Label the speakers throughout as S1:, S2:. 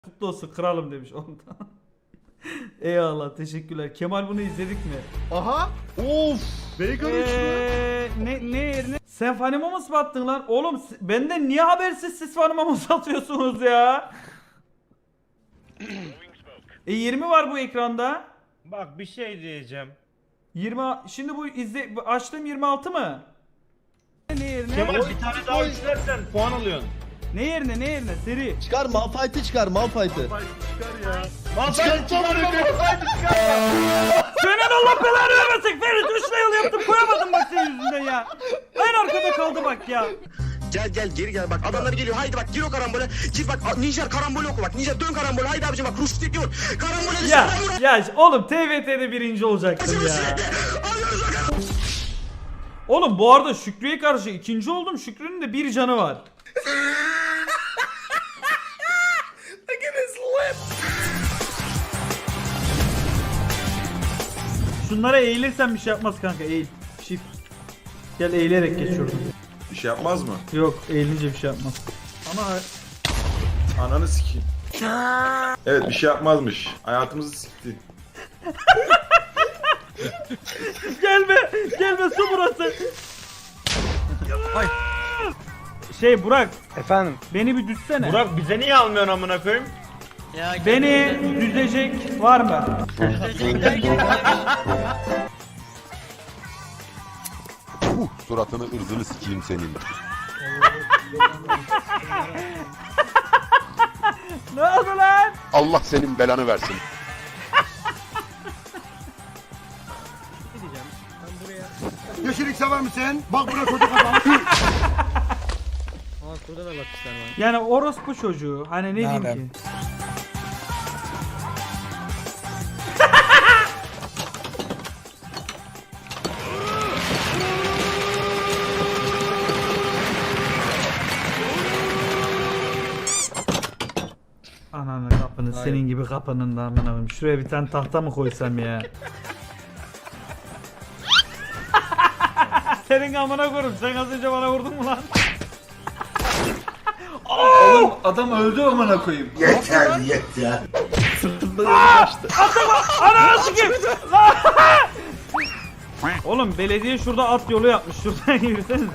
S1: Kutlu olsun kralım demiş ondan. Eyvallah, teşekkürler. Kemal bunu izledik mi?
S2: Aha. Of. Bacon
S1: Ne yerine? Sen Funimamos mı attın lan? Oğlum benden niye habersiz siz Funimamos atıyorsunuz ya? 20 var bu ekranda.
S3: Bak bir şey diyeceğim.
S1: 20 şimdi bu açtığım 26 mı? Ne yerine?
S3: Kemal bir tane daha üçlersen puan alıyorsun.
S1: Ne yerine? Seri.
S2: Çıkar Malphite'ı çıkar Malphite'ı.
S3: Malphite çıkar.
S1: Senin Allah belanı vermesin. Ferit 3 yıl yaptım koyamadım bak senin yüzünden ya. En arkada kaldı bak ya.
S4: Gel geri gel bak adamlar geliyor haydi bak gir o karambole gir bak Nijer karambol oku bak Nijer dön karambole haydi abicim bak Ruştik yor karambole
S1: Ya oğlum TVT'de birinci olacaktım ya. Oğlum bu arada Şükrü'ye karşı ikinci oldum. Şükrü'nün de bir canı var. Şunlara eğilirsen bir şey yapmaz kanka, eğil. Shift. Gel eğilerek geç şuradan.
S5: Bir şey yapmaz mı?
S1: Yok, eğilince bir şey yapmaz. Ama
S5: Ananı sikeyim. Evet bir şey yapmazmış. Hayatımızı sikti.
S1: gelme su burası. Ay. Burak.
S6: Efendim.
S1: Beni bir düzsene.
S3: Burak bize niye almıyorsun amına koyayım?
S1: Beni düzecek var mı?
S7: Suratını ırzını sikeyim senin.
S1: Ne oldu lan?
S7: Allah senin belanı versin.
S2: Yeşillik sever misin? Bak burada çocuk adam.
S1: Yani orospu çocuğu. Hani ne diyeyim ki? Ananı kapını, senin gibi kapının da amına koyayım. Şuraya bir tane tahta mı koysam ya? Senin amına koyayım. Sen az önce bana vurdun mu lan?
S5: Oğlum adam öldü amına koyayım.
S1: Ananı sikeyim! Oğlum belediye şurada at yolu yapmış. Şuradan yürüsenize.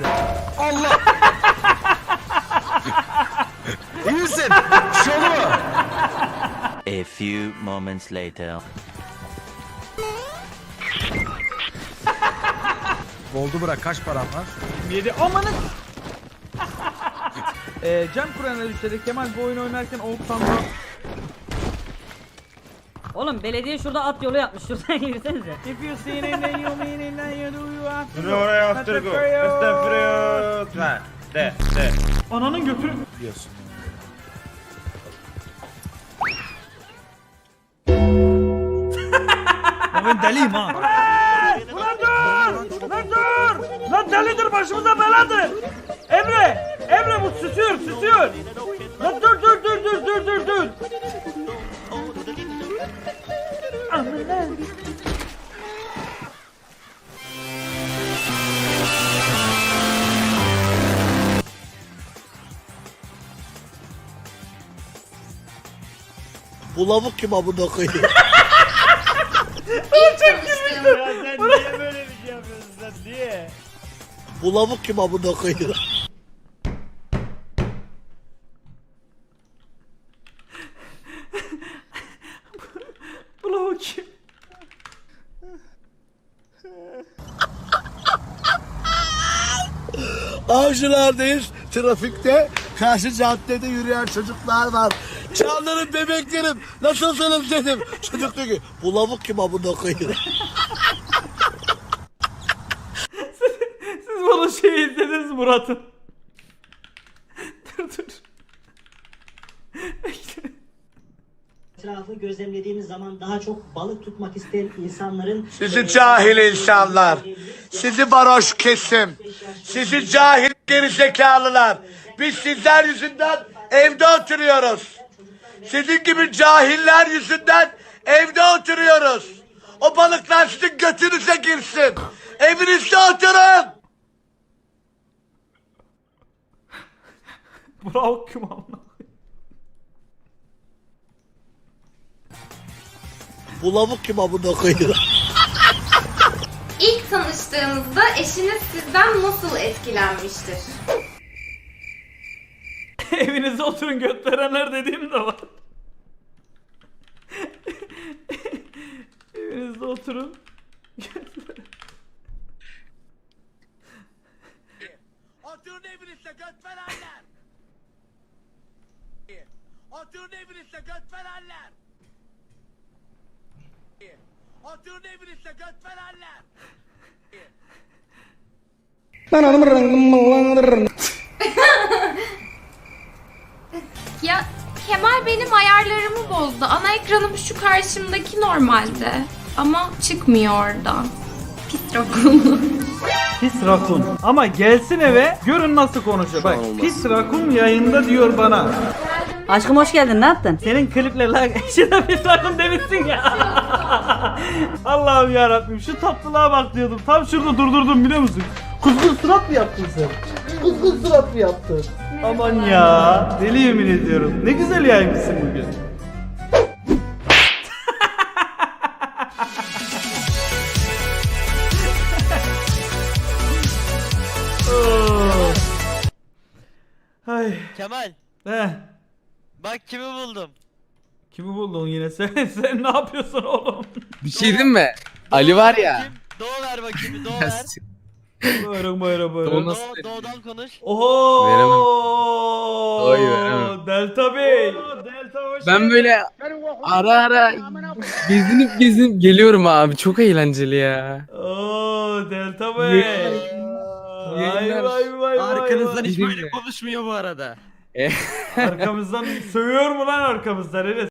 S2: İyi misin? Bir şey oldu mu?
S8: A few moments later.
S6: Oldu bırak, kaç param var?
S1: 27 amanın. Can Kur'an'a düşerek Kemal bu oyunu oynarken Oğuz Sanma.
S9: Oğlum belediye şurada at yolu yapmış. Şuradan yürüsenize.
S1: If you see it then you mean it then you do you have to.
S3: Dur oraya astırgo. Estağfurullah. Ha, de.
S1: Ananın götürü.
S6: Biliyorsun.
S1: Ya ben deliyim ha. Ulan dur! Lan dur! Lan delidir başımıza beladır. Emre bu susuyor. Lan dur. Aman.
S2: Bu lavuk kim amına koyayım?
S3: Ya sen niye böyle bir şey yapıyorsun sen niye?
S2: Bu lavuk kim amına koyayım?
S1: Bu lavuk kim?
S2: Avcılardayız. Trafikte karşı caddede yürüyen çocuklar var. Canlarım bebeklerim nasılsınız dedim. Çocuk diyor ki bu lavuk kim amına koyayım?
S1: Siz bunu izlediniz Murat'ın. dur.
S10: Etrafı gözlemlediğimiz zaman daha çok balık tutmak isteyen insanların...
S2: Sizi cahil insanlar, sizi varoş kesim, sizi cahil gerizekalılar. Biz sizler yüzünden evde oturuyoruz. Sizin gibi cahiller yüzünden evde oturuyoruz. O balıklar sizin götünüze girsin. Evinizde oturun.
S1: Bu lavuk kim amına?
S2: Bu lavuk kim amına koyayım?
S11: İlk tanıştığınızda eşiniz sizden nasıl etkilenmiştir?
S1: Evinizde oturun göt verenler dediğim de var. Evinizde oturun.
S2: Oturun evinizde göt verenler. Oturun evinizde göt verenler. Oturun evinizde göt verenler.
S11: Ya Kemal benim ayarlarımı bozdu. Ana ekranım şu karşımdaki normalde. Ama çıkmıyor oradan. Pis rakun.
S1: Pis rakun. Ama gelsin eve görün nasıl konuşuyor. Bak pis rakun yayında diyor bana.
S9: Aşkım hoş geldin, ne yaptın?
S1: Senin kliple lan eşine pis rakun demişsin ya. Allah'ım yarabbim şu tatlılığa bak diyordum. Tam şurada durdurdum biliyor musun? Kuzgun surat mı yaptın sen? Kuzgun surat mı yaptın? Aman ya. Deli yemin ediyorum. Ne güzel yaymışsın bugün. Ay.
S3: Kemal
S1: Heh.
S3: bak kimi buldum.
S1: Kimi buldun yine sen? Sen ne yapıyorsun oğlum?
S6: Bir şey diyeyim mi? Ali var ya.
S3: Kim? Doğu ver bakayım Doğu ver.
S1: Buyurun buyurun
S6: O
S1: buyurun.
S6: nasıl?
S3: Doğu'dan konuş.
S1: Oho!
S6: Oy, veremem.
S1: Delta Bey.
S6: Ben böyle ara gezinip geliyorum abi. Çok eğlenceli ya.
S1: Oo Delta Bey. Vay vay vay
S6: Arkanızdan
S1: vay.
S6: hiç böyle konuşmuyor bu arada.
S1: Arkamızdan sövüyor mu lan arkamızdan Enes?